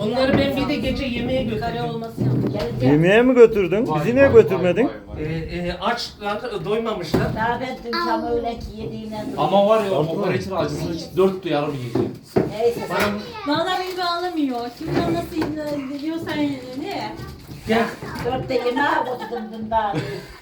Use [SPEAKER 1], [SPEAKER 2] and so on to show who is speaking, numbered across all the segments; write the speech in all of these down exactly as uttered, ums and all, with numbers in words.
[SPEAKER 1] Bunları ben bir de gece yemeğe
[SPEAKER 2] Kare
[SPEAKER 1] götürdüm.
[SPEAKER 2] olması yaptım.
[SPEAKER 3] Yemeğe mi götürdün? Bizi niye götürmedin?
[SPEAKER 1] Ee, e, açlar, doymamışlar.
[SPEAKER 2] Daha ben dün tam öyle ki yediğimden dolayı.
[SPEAKER 4] Ama var ya o kokoreçin acısını hiç dört duyarım yiyeceğim.
[SPEAKER 2] Neyse sen.
[SPEAKER 1] Bana
[SPEAKER 5] Valla beni bağlamıyor. Şimdi ben nasıl diyorsan ne?
[SPEAKER 1] gel.
[SPEAKER 2] Dörtte yemeğe oturdum dün daha.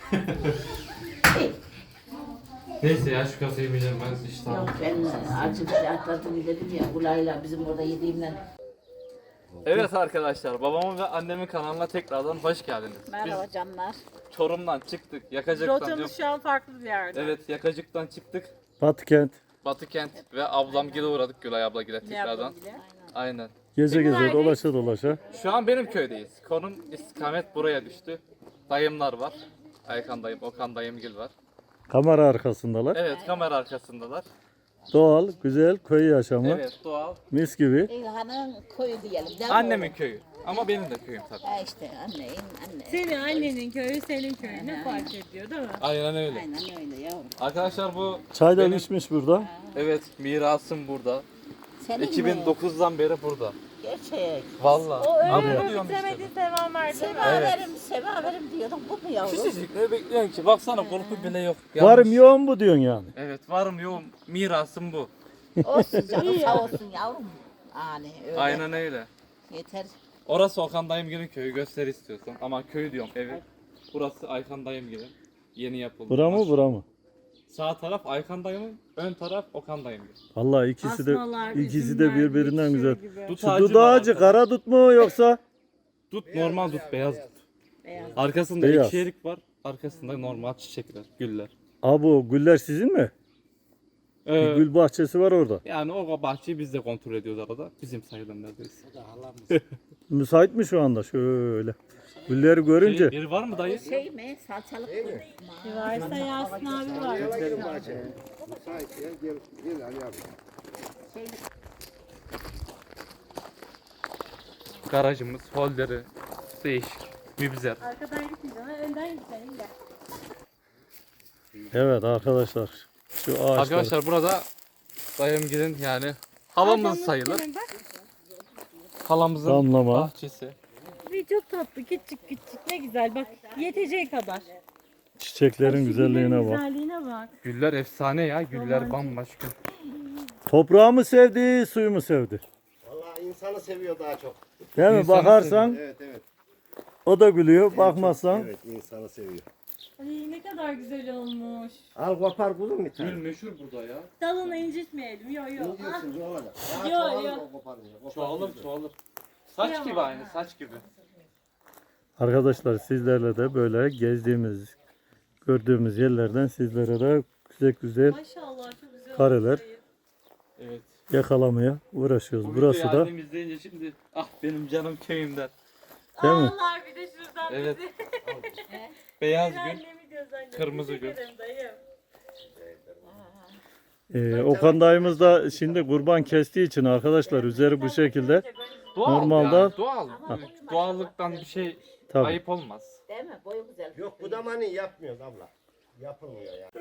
[SPEAKER 4] Neyse ya şu kasayı yemeyeceğim ben işte.
[SPEAKER 2] Yok ben acı bir şey atladım dedim ya. Ulayla bizim orada yediğimden.
[SPEAKER 4] Evet arkadaşlar babamın ve annemin kanalına tekrardan hoş geldiniz.
[SPEAKER 2] Merhaba canlar.
[SPEAKER 4] Biz Çorum'dan çıktık. Yakacık'tan. yok-
[SPEAKER 5] Rotamız şu an farklı bir yerde.
[SPEAKER 4] Evet Yakacık'tan çıktık.
[SPEAKER 3] Batıkent.
[SPEAKER 4] Batıkent ve ablam gile uğradık Gülay abla gile
[SPEAKER 5] Ne
[SPEAKER 4] tekrardan.
[SPEAKER 5] yapalım bile?
[SPEAKER 4] Aynen.
[SPEAKER 3] Geze geze dolaşa dolaşa.
[SPEAKER 4] Şu an benim köydeyiz. Konum istikamet buraya düştü. Dayımlar var. Aykan dayım, Okan dayımgil var.
[SPEAKER 3] Kamera arkasındalar.
[SPEAKER 4] Evet kamera arkasındalar.
[SPEAKER 3] Doğal, güzel köy yaşamı.
[SPEAKER 4] Evet doğal.
[SPEAKER 3] Mis gibi.
[SPEAKER 2] İlhan'ın koyu diyelim. değil mi
[SPEAKER 4] Annemin
[SPEAKER 2] oğlum?
[SPEAKER 4] köyü. Ama benim de köyüm tabii.
[SPEAKER 2] Ha işte anneyin anne.
[SPEAKER 5] Senin annenin köyü senin köyü ne fark ediyor değil mi?
[SPEAKER 4] Aynen öyle.
[SPEAKER 2] Aynen öyle yavrum.
[SPEAKER 4] Arkadaşlar bu
[SPEAKER 3] Çay da
[SPEAKER 4] benim-
[SPEAKER 3] içmiş burada.
[SPEAKER 4] Evet mirasım burada.
[SPEAKER 2] Senin mi?
[SPEAKER 4] iki bin dokuzdan beri burada.
[SPEAKER 2] Gerçek.
[SPEAKER 4] Vallahi.
[SPEAKER 5] O
[SPEAKER 4] Ama
[SPEAKER 5] öyle
[SPEAKER 4] diyorum işte.
[SPEAKER 5] bitiremediği sevam verdi mi?
[SPEAKER 2] Sevaverim, sevaverim diyordum. Bu mu yavrum?
[SPEAKER 4] Küçücük ne bekliyorsun ki? Baksana korku bile yok.
[SPEAKER 3] Varım
[SPEAKER 4] Yanlış.
[SPEAKER 3] yoğun bu diyorsun yani.
[SPEAKER 4] Evet varım yoğum. Mirasım bu.
[SPEAKER 2] Olsun canım sağ olsun yavrum. Yani öyle.
[SPEAKER 4] Aynen öyle.
[SPEAKER 2] Yeter.
[SPEAKER 4] Orası Okan dayımgilin köyü göster istiyorsan. Ama köy diyorum evi. Burası Aykan dayımgilin. Yeni yapıldı.
[SPEAKER 3] Bura mı bura mı?
[SPEAKER 4] Sağ taraf Aykan dayımın, ön taraf Okan dayımgil.
[SPEAKER 3] Vallahi ikisi de
[SPEAKER 5] Asmalar,
[SPEAKER 3] ikisi
[SPEAKER 5] üzümler,
[SPEAKER 3] de birbirinden
[SPEAKER 5] yeşil
[SPEAKER 3] güzel.
[SPEAKER 5] gibi.
[SPEAKER 4] Dut
[SPEAKER 3] Şu
[SPEAKER 4] ağacı
[SPEAKER 3] dut
[SPEAKER 4] var
[SPEAKER 3] ağacı
[SPEAKER 4] arkada.
[SPEAKER 3] kara dut mu yoksa?
[SPEAKER 4] Dut normal dut, beyaz dut.
[SPEAKER 2] Beyaz.
[SPEAKER 4] Arkasında
[SPEAKER 3] Beyaz.
[SPEAKER 4] iki erik var. Arkasında normal çiçekler, güller.
[SPEAKER 3] Abi güller sizin mi?
[SPEAKER 4] Ee,
[SPEAKER 3] Bir gül bahçesi var orada.
[SPEAKER 4] yani o bahçeyi biz de kontrol ediyoruz arada. Bizim sayılan neredeyiz.
[SPEAKER 3] Müsait mi şu anda? Şöyle. Gülleri görünce.
[SPEAKER 4] Şey, biri var mı dayı?
[SPEAKER 2] Şey mi? Salçalık mı?
[SPEAKER 5] Bir varsa Yasin abi var.
[SPEAKER 4] Garajımız, holderi, değişik, mübzer.
[SPEAKER 5] Arkadan gitmeyeceğim. Önden gideceğim. Gel.
[SPEAKER 3] Evet arkadaşlar. Şu ağaçlar.
[SPEAKER 4] Arkadaşlar burada dayımgilin yani halamız sayılır. Halamızın
[SPEAKER 3] Damlama.
[SPEAKER 4] bahçesi.
[SPEAKER 5] Bir çok tatlı küçük küçük ne güzel bak yeteceği kadar.
[SPEAKER 3] Çiçeklerin güzelliğine bak.
[SPEAKER 5] Güzelliğine bak.
[SPEAKER 4] Güller efsane ya, güller bambaşka.
[SPEAKER 3] Toprağı mı sevdi, suyu mu sevdi?
[SPEAKER 6] Vallahi insanı seviyor daha çok.
[SPEAKER 3] Değil mi?
[SPEAKER 4] İnsanı
[SPEAKER 3] Bakarsan
[SPEAKER 6] Evet evet.
[SPEAKER 3] o da gülüyor. Bakmazsan
[SPEAKER 6] Evet insanı seviyor.
[SPEAKER 5] Ay ne kadar güzel olmuş.
[SPEAKER 6] Al kopar kuzum bir
[SPEAKER 4] Gül
[SPEAKER 6] tane.
[SPEAKER 4] meşhur burada ya.
[SPEAKER 5] Dalını incitmeyelim. Yo yo.
[SPEAKER 6] Ne
[SPEAKER 5] Ah,
[SPEAKER 6] diyorsun ne olacak?
[SPEAKER 5] Yo,
[SPEAKER 6] Ya çoğalır
[SPEAKER 5] yo.
[SPEAKER 6] o koparınca. Kopar
[SPEAKER 4] Çoğalır
[SPEAKER 6] güzel.
[SPEAKER 4] çoğalır. Saç gibi aynı, saç gibi.
[SPEAKER 3] arkadaşlar sizlerle de böyle gezdiğimiz, gördüğümüz yerlerden sizlere de güzel güzel
[SPEAKER 5] maşallah çok güzel.
[SPEAKER 3] kareler
[SPEAKER 5] olmuş.
[SPEAKER 4] Evet.
[SPEAKER 3] yakalamaya uğraşıyoruz.
[SPEAKER 4] Bu
[SPEAKER 3] Burası
[SPEAKER 4] videoyu
[SPEAKER 3] da
[SPEAKER 4] annem izleyince şimdi ah benim canım köyümden.
[SPEAKER 3] değil mi?
[SPEAKER 5] Ağlar bir de şuradan
[SPEAKER 4] Evet.
[SPEAKER 5] bizi.
[SPEAKER 4] Beyaz
[SPEAKER 5] Ben
[SPEAKER 4] gül.
[SPEAKER 5] annemi gözlemledim.
[SPEAKER 4] kırmızı
[SPEAKER 5] Teşekkür
[SPEAKER 4] gül.
[SPEAKER 5] ederim dayım.
[SPEAKER 3] Ee, Okan dayımız da şimdi kurban kestiği için arkadaşlar üzeri bu şekilde.
[SPEAKER 4] Doğal
[SPEAKER 3] Normalde-
[SPEAKER 4] yani, doğal. Doğallıktan bir şey
[SPEAKER 3] Tabii.
[SPEAKER 4] ayıp olmaz.
[SPEAKER 2] Değil mi? Boyu güzel.
[SPEAKER 6] Yok bu da mani yapmıyoruz abla. Yapılmıyor ya.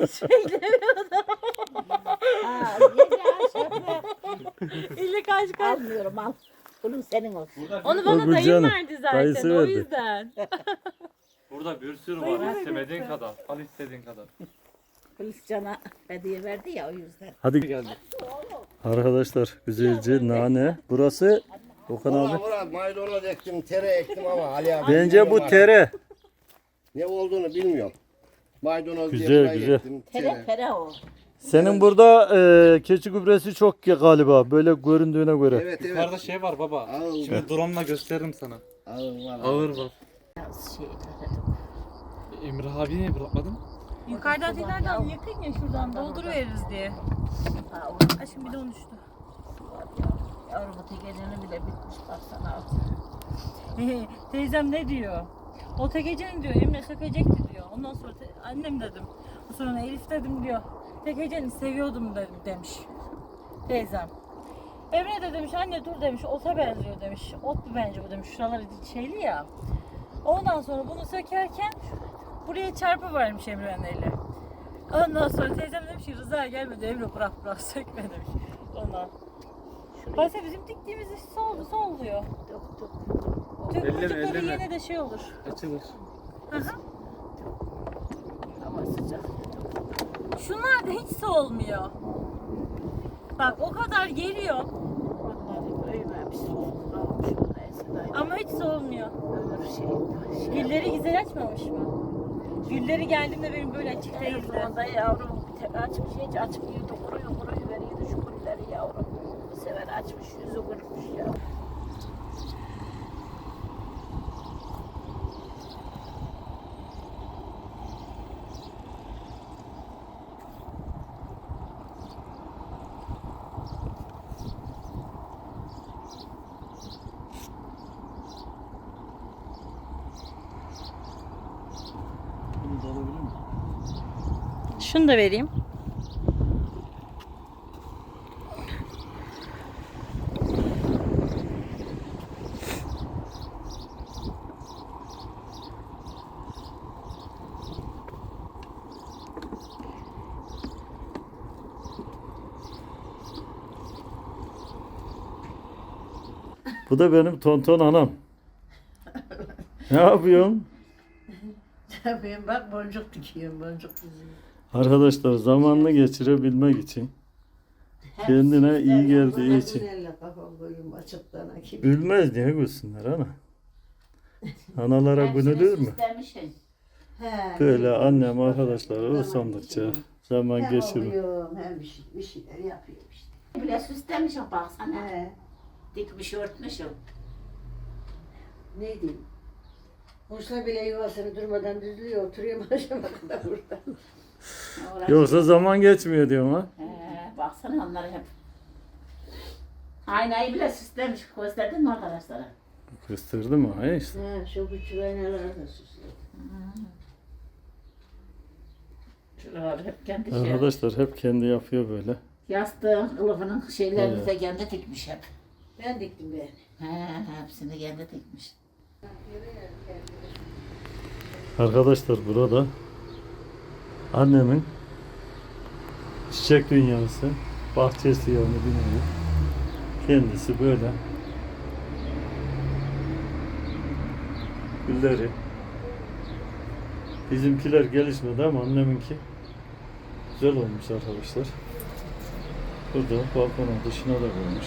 [SPEAKER 2] Ha, ye ya şey yapma.
[SPEAKER 5] İlle kaç kaç.
[SPEAKER 2] Almıyorum al. Bunun senin olsun.
[SPEAKER 5] Onu
[SPEAKER 3] O
[SPEAKER 5] bana dayım
[SPEAKER 3] Gülcan'ın
[SPEAKER 5] verdi zaten.
[SPEAKER 3] dayısı
[SPEAKER 5] O
[SPEAKER 3] verdi.
[SPEAKER 5] yüzden.
[SPEAKER 4] Burada bir sürü var. İstemediğin kadar. Al istediğin kadar.
[SPEAKER 2] Hristiyan'a hediye verdi ya o yüzden.
[SPEAKER 3] Hadi
[SPEAKER 4] Geldi.
[SPEAKER 3] arkadaşlar güzelce nane. Burası Okan
[SPEAKER 6] Valla
[SPEAKER 3] abi.
[SPEAKER 6] valla maydanoz ektim, tere ektim ama Ali abi.
[SPEAKER 3] Bence bu
[SPEAKER 6] bilmiyorum
[SPEAKER 3] tere.
[SPEAKER 6] artık. Ne olduğunu bilmiyorum. Maydanoz
[SPEAKER 3] Güzel,
[SPEAKER 6] diye burayı
[SPEAKER 3] güzel.
[SPEAKER 6] ektim,
[SPEAKER 2] Tere
[SPEAKER 6] tere.
[SPEAKER 2] pere o.
[SPEAKER 3] Senin burada e, keçi gübresi çok ki galiba böyle göründüğüne göre.
[SPEAKER 6] Evet evet.
[SPEAKER 4] Yukarıda şey var baba.
[SPEAKER 6] Ağır var.
[SPEAKER 4] Şimdi drone'la gösteririm sana.
[SPEAKER 6] Ağır var.
[SPEAKER 4] Ağır var.
[SPEAKER 2] Biraz şey.
[SPEAKER 4] Emre abi niye bırakmadın?
[SPEAKER 5] Yukarıdan tekrardan yakın ya şuradan dolduruveririz diye.
[SPEAKER 2] Ha, o
[SPEAKER 5] Ay şimdi bir de unuttu.
[SPEAKER 2] yavrum o tekelini bile bitmiş baksana al.
[SPEAKER 5] Teyzem ne diyor? O tekecenin diyor Emre sökecekti diyor. Ondan sonra te- annem dedim. Sonra Elif dedim diyor. Tekeceni seviyordum dedim demiş. Teyzem. Emre de demiş anne dur demiş ota benziyor demiş. Ot mu bence bu demiş. Şuraları şeyli ya. Ondan sonra bunu sökerken buraya çarpı varmış Emre'nin eli. Ondan sonra teyzem demiş ki Rıza gelmedi Emre bırak bırak sökme demiş. Ondan. Başka bizim diktiğimiz iş sol, sol diyor. diyor.
[SPEAKER 2] Dök dök.
[SPEAKER 5] Tüm
[SPEAKER 4] Elleme,
[SPEAKER 5] çocukları
[SPEAKER 4] elleme.
[SPEAKER 5] yine de şey olur.
[SPEAKER 4] Açılır.
[SPEAKER 5] Hı hı.
[SPEAKER 2] Hava sıcak.
[SPEAKER 5] Şunlar da hiç soğumuyor. Bak o kadar geliyor
[SPEAKER 2] Onları büyümemiş. Kalmış orada Esra'yı.
[SPEAKER 5] ama hiç soğumuyor.
[SPEAKER 2] Ömür şey. şey
[SPEAKER 5] Gülleri güzel açmamış mı? Gülleri geldiğimde benim böyle açık değildi.
[SPEAKER 2] Onda yavrum bir tek açmış hiç açmıyordu. Kuruyor kuruyor veriyordu şu gülleri yavrum. Bu sefer açmış yüzü kırpmış ya.
[SPEAKER 5] Şunu da vereyim.
[SPEAKER 3] Bu da benim tonton anam. Ne yapıyorsun?
[SPEAKER 2] Tabii bak boncuk dikiyorum boncuk diziyorum.
[SPEAKER 3] Arkadaşlar zamanını geçirebilmek için, kendine iyi geldiği için.
[SPEAKER 2] Kafam koyayım açıktan gibi.
[SPEAKER 3] Gülmez diye gülsünler ana. Analara gülülür mü?
[SPEAKER 2] Süslemişsin. He.
[SPEAKER 3] Böyle annem arkadaşlar usandıkça zaman
[SPEAKER 2] Hem
[SPEAKER 3] geçirir.
[SPEAKER 2] okuyorum hem bir, şey, bir şeyler yapıyorum işte. Bile süslemişim baksana. He. Dikmiş örtmüşüm.
[SPEAKER 7] Ne diyeyim? Kuşlar bile yuvasını durmadan düzlüyor, oturuyor akşama kadar burada.
[SPEAKER 3] Yoksa zaman geçmiyor diyorum ha.
[SPEAKER 2] He, baksana onları hep. Aynayı bile süslemiş. Gösterdin mi arkadaşlara?
[SPEAKER 3] Kıstırdı mı? Ha işte.
[SPEAKER 7] Ha, şu küçük aynaları da süslüyor.
[SPEAKER 2] Şuraları hep kendi şey.
[SPEAKER 3] Arkadaşlar hep kendi yapıyor böyle.
[SPEAKER 2] Yastığın, kılıfının şeylerini
[SPEAKER 3] Evet.
[SPEAKER 2] de kendi dikmiş hep.
[SPEAKER 7] Ben diktim ben.
[SPEAKER 2] He, hepsini kendi dikmiş.
[SPEAKER 3] Arkadaşlar burada annemin çiçek dünyası, bahçesi yani bilmiyorum. Kendisi böyle. Gülleri. Bizimkiler gelişmedi ama anneminki güzel olmuş arkadaşlar. Burada balkonun dışına da koymuş.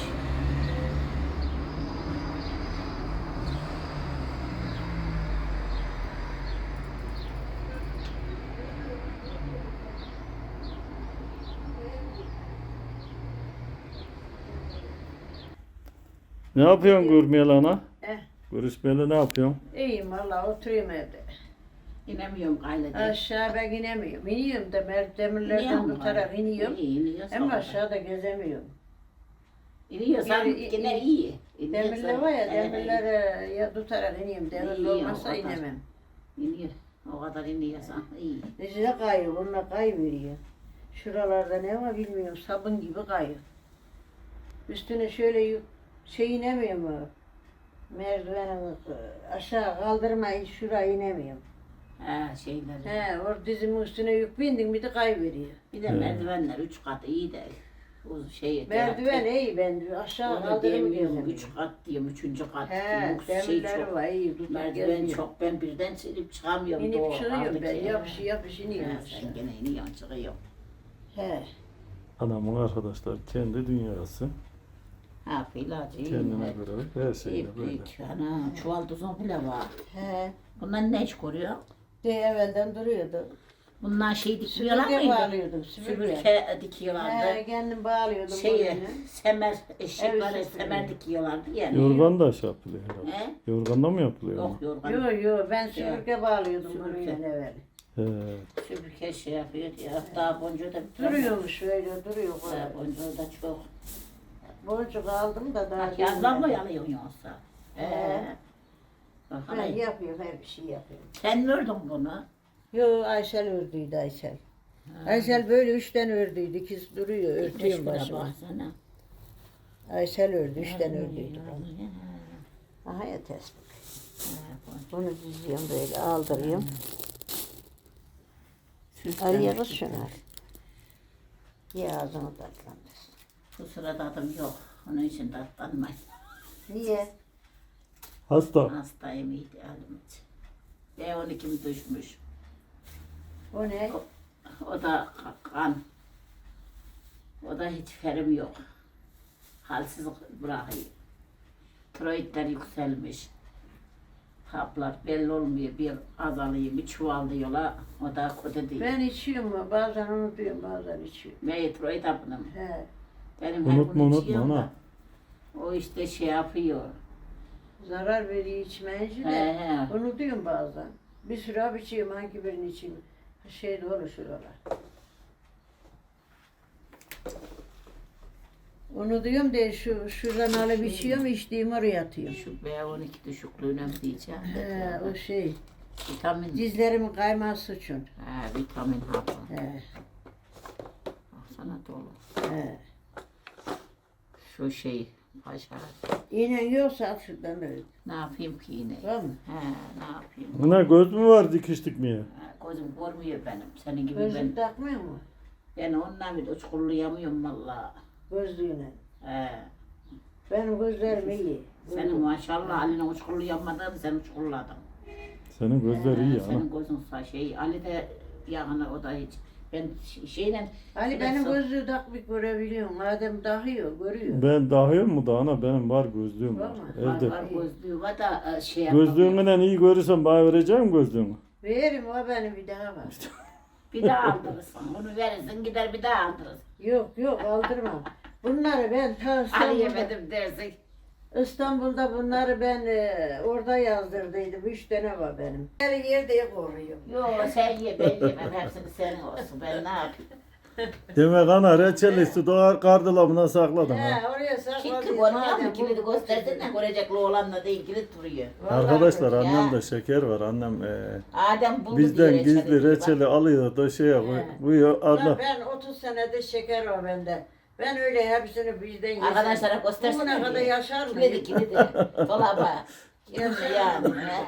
[SPEAKER 3] Ne yapıyorsun Gurmiyel ana?
[SPEAKER 7] Eh.
[SPEAKER 3] Görüşmeli ne yapıyorsun?
[SPEAKER 7] İyiyim valla oturuyorum evde.
[SPEAKER 2] İnemiyorum gayrı diye.
[SPEAKER 7] Aşağı ben inemiyorum. İniyorum da mer- demirlerden
[SPEAKER 2] İniyorum
[SPEAKER 7] tutarak
[SPEAKER 2] gayrı.
[SPEAKER 7] iniyorum.
[SPEAKER 2] İyi, iniyorsun.
[SPEAKER 7] Ama aşağıda gezemiyorum.
[SPEAKER 2] İniyorsan
[SPEAKER 7] Geri-
[SPEAKER 2] yine iyi.
[SPEAKER 7] Demirler
[SPEAKER 2] İniyorsan-
[SPEAKER 7] var ya
[SPEAKER 2] He,
[SPEAKER 7] demirlere ya tutarak iniyorum. Demirli
[SPEAKER 2] İyi,
[SPEAKER 7] olmazsa
[SPEAKER 2] o kadar.
[SPEAKER 7] inemem.
[SPEAKER 2] İniyor. O kadar iniyorsan iyi.
[SPEAKER 7] Necine kayıyor, bununla kayıveriyor. Şuralarda ne var bilmiyorum, sabun gibi kayıyor. Üstüne şöyle yük, şey inemiyor mu? Merdivenin aşağı kaldırmayı şuraya inemiyorum.
[SPEAKER 2] He şeyler.
[SPEAKER 7] He, or dizimin üstüne yük bindin bir de kayıveriyor.
[SPEAKER 2] Bir de merdivenler üç kat iyi de. O şey.
[SPEAKER 7] Merdiven iyi ben diyor, aşağı
[SPEAKER 2] Onu
[SPEAKER 7] kaldırımı
[SPEAKER 2] diyemiyorum.
[SPEAKER 7] gezemiyorum.
[SPEAKER 2] Üç kat diyorum. Üçüncü kat.
[SPEAKER 7] He,
[SPEAKER 2] Yok, şey
[SPEAKER 7] demirleri
[SPEAKER 2] çok.
[SPEAKER 7] var iyi, tutar
[SPEAKER 2] Merdiven
[SPEAKER 7] geziyor.
[SPEAKER 2] çok. Ben birden silip çıkamıyorum.
[SPEAKER 7] İnip
[SPEAKER 2] Doğru,
[SPEAKER 7] çıkıyorum
[SPEAKER 2] aldık
[SPEAKER 7] ben,
[SPEAKER 2] ya.
[SPEAKER 7] yapış yapış iniyorum
[SPEAKER 2] He,
[SPEAKER 7] aşağı.
[SPEAKER 2] sen gene iniyorsun çıkıyorsun.
[SPEAKER 7] He,
[SPEAKER 3] Anamın arkadaşlar kendi dünyası.
[SPEAKER 2] Ha filacı iyi.
[SPEAKER 3] Kendine
[SPEAKER 2] He.
[SPEAKER 3] göre her şeyle
[SPEAKER 2] İyi
[SPEAKER 3] böyle.
[SPEAKER 2] büyük. Ana çuval tuzun bile var.
[SPEAKER 7] he.
[SPEAKER 2] Bunlar ne iş koruyor?
[SPEAKER 7] De evvelden duruyordu.
[SPEAKER 2] Bunlar şey dikiyorlar
[SPEAKER 7] Süpürge
[SPEAKER 2] mıydı?
[SPEAKER 7] bağlıyordum, süpürge.
[SPEAKER 2] Süpürge dikiyorlardı.
[SPEAKER 7] He, kendim bağlıyordum
[SPEAKER 2] Şeye,
[SPEAKER 7] boynuna.
[SPEAKER 2] semer, eşek
[SPEAKER 7] Evet,
[SPEAKER 2] var ya,
[SPEAKER 7] süpürge.
[SPEAKER 2] semer dikiyorlardı ya.
[SPEAKER 3] Yorgan da şey yapılıyor herhalde.
[SPEAKER 2] He?
[SPEAKER 3] Yorganla mı yapılıyor?
[SPEAKER 2] Yok yorgan.
[SPEAKER 7] Yok yok ben süpürge bağlıyordum
[SPEAKER 2] Süpürge.
[SPEAKER 7] boynuna evvel.
[SPEAKER 3] He.
[SPEAKER 2] Süpürge şey yapıyor ya. Daha boncuğu da bir
[SPEAKER 7] Duruyormuş öyle duruyor.
[SPEAKER 2] Daha boncuğu da çok.
[SPEAKER 7] Boncuk aldım da daha.
[SPEAKER 2] Yazdan mı yalıyorsun yoksa? He.
[SPEAKER 7] He.
[SPEAKER 2] Bak
[SPEAKER 7] Ben
[SPEAKER 2] hani
[SPEAKER 7] yapıyorum her bir şey yapıyorum.
[SPEAKER 2] sen mi ördün bunu?
[SPEAKER 7] Yo Aysel ördüydü Aysel. Aysel böyle üçten ördüydü. İkisi duruyor örtüyorum
[SPEAKER 2] Beş
[SPEAKER 7] başıma.
[SPEAKER 2] baksana.
[SPEAKER 7] Aysel ördü üçten ördüydü bana. Aha ya tespih. Bunu diziyorum böyle aldırıyorum. Araya kız şunu al. Ye ağzını tatlandır.
[SPEAKER 2] Bu sırada adım yok. Onun için tatlanmayın.
[SPEAKER 7] Niye?
[SPEAKER 3] Hasta.
[SPEAKER 2] Hastayım idealim için. B on ikim düşmüş.
[SPEAKER 7] O ne?
[SPEAKER 2] O da kan. O da hiç ferim yok. Halsiz bırakıyor. Tiroidler yükselmiş. Haplar belli olmuyor. Bir azalıyor, bir çuvallıyorlar. O da kötü değil.
[SPEAKER 7] Ben içiyorum bazen unutuyorum bazen içiyorum.
[SPEAKER 2] Ne tiroid hapını mı?
[SPEAKER 7] He.
[SPEAKER 2] Benim her
[SPEAKER 3] Unutma
[SPEAKER 2] gün
[SPEAKER 3] unutma
[SPEAKER 2] içiyorum da,
[SPEAKER 3] ana.
[SPEAKER 2] o işte şey yapıyor.
[SPEAKER 7] Zarar veriyor içmeyince
[SPEAKER 2] He
[SPEAKER 7] de
[SPEAKER 2] he.
[SPEAKER 7] unutuyorum bazen. Bir sürü hap içiyorum hangi birini içeyim. Şey doğru şuralar. Unutuyorum de şu şuradan alıp içiyorum içtiğim oraya atıyorum.
[SPEAKER 2] Şu B on iki düşüklüğüne mi diyeceğim?
[SPEAKER 7] He, o şey.
[SPEAKER 2] Vitamin.
[SPEAKER 7] Dizlerimin kayması için.
[SPEAKER 2] He, vitamin hapı.
[SPEAKER 7] He,
[SPEAKER 2] Baksana dolu.
[SPEAKER 7] he.
[SPEAKER 2] Şu şey paşa.
[SPEAKER 7] İğnen yoksa at şuradan öyle.
[SPEAKER 2] Ne yapayım ki yine?
[SPEAKER 7] Var mı?
[SPEAKER 2] He, ne yapayım?
[SPEAKER 3] Ana göz mü var dikiş dikmeye?
[SPEAKER 2] Ha, gözüm görmüyor benim. Senin gibi
[SPEAKER 7] Gözlük
[SPEAKER 2] ben.
[SPEAKER 7] takmıyor mu?
[SPEAKER 2] Ben onunla bile uçkurlayamıyorum valla.
[SPEAKER 7] Gözlüğüne.
[SPEAKER 2] He.
[SPEAKER 7] Benim gözlerim iyi.
[SPEAKER 2] Senin maşallah Ali'nin uçkurlayamadığını sen uçkurladın.
[SPEAKER 3] Senin gözler iyi ya. ana.
[SPEAKER 2] Senin gözün sağ şey. Ali de yani o da hiç. Ben ş- şeyle...
[SPEAKER 7] Ali benim gözlüğü takmış görebiliyorum. Madem takıyor, görüyor.
[SPEAKER 3] Ben dahil mu da ana benim var gözlüğüm var.
[SPEAKER 7] Var mı?
[SPEAKER 3] Evde.
[SPEAKER 2] Var, var gözlüğü var da e, şey yapamıyor.
[SPEAKER 3] Gözlüğümden iyi görürsen bana vereceğim gözlüğümü.
[SPEAKER 7] Veririm o benim bir daha var.
[SPEAKER 2] Bir daha aldırırsın. Bunu verirsin gider bir daha aldırırsın.
[SPEAKER 7] Yok yok aldırmam. Bunları ben ta
[SPEAKER 2] Ali
[SPEAKER 7] İstanbul'da,
[SPEAKER 2] yemedim dersin.
[SPEAKER 7] İstanbul'da bunları ben e, orada yazdırdıydım. Üç tane var benim. Her yerde koruyorum.
[SPEAKER 2] Yok sen ye ben yemem. Hepsini senin olsun. Ben ne yapayım?
[SPEAKER 3] Demek ana reçeli su doğar kardılabına sakladın ha.
[SPEAKER 7] He oraya
[SPEAKER 2] Kilitli
[SPEAKER 7] sakladım.
[SPEAKER 2] konuyor
[SPEAKER 7] Madem
[SPEAKER 2] mu? Kilidi
[SPEAKER 7] bu-
[SPEAKER 2] göstersin de görecek oğlanla değil kilit duruyor.
[SPEAKER 3] Arkadaşlar
[SPEAKER 2] Ya.
[SPEAKER 3] annemde şeker var. Annem e,
[SPEAKER 2] Adem buldu
[SPEAKER 3] bizden
[SPEAKER 2] diye
[SPEAKER 3] gizli
[SPEAKER 2] diyor.
[SPEAKER 3] reçeli alıyor da şeye koy- koyuyor.
[SPEAKER 7] Ulan
[SPEAKER 3] Allah.
[SPEAKER 7] ben otuz senedir şeker var bende. Ben öyle hepsini bizden yesem.
[SPEAKER 2] Arkadaşlara göstersin.
[SPEAKER 7] Bugüne kadar yaşar mı?
[SPEAKER 2] Kilidi kilidi. Dolaba. Kimse yani. he.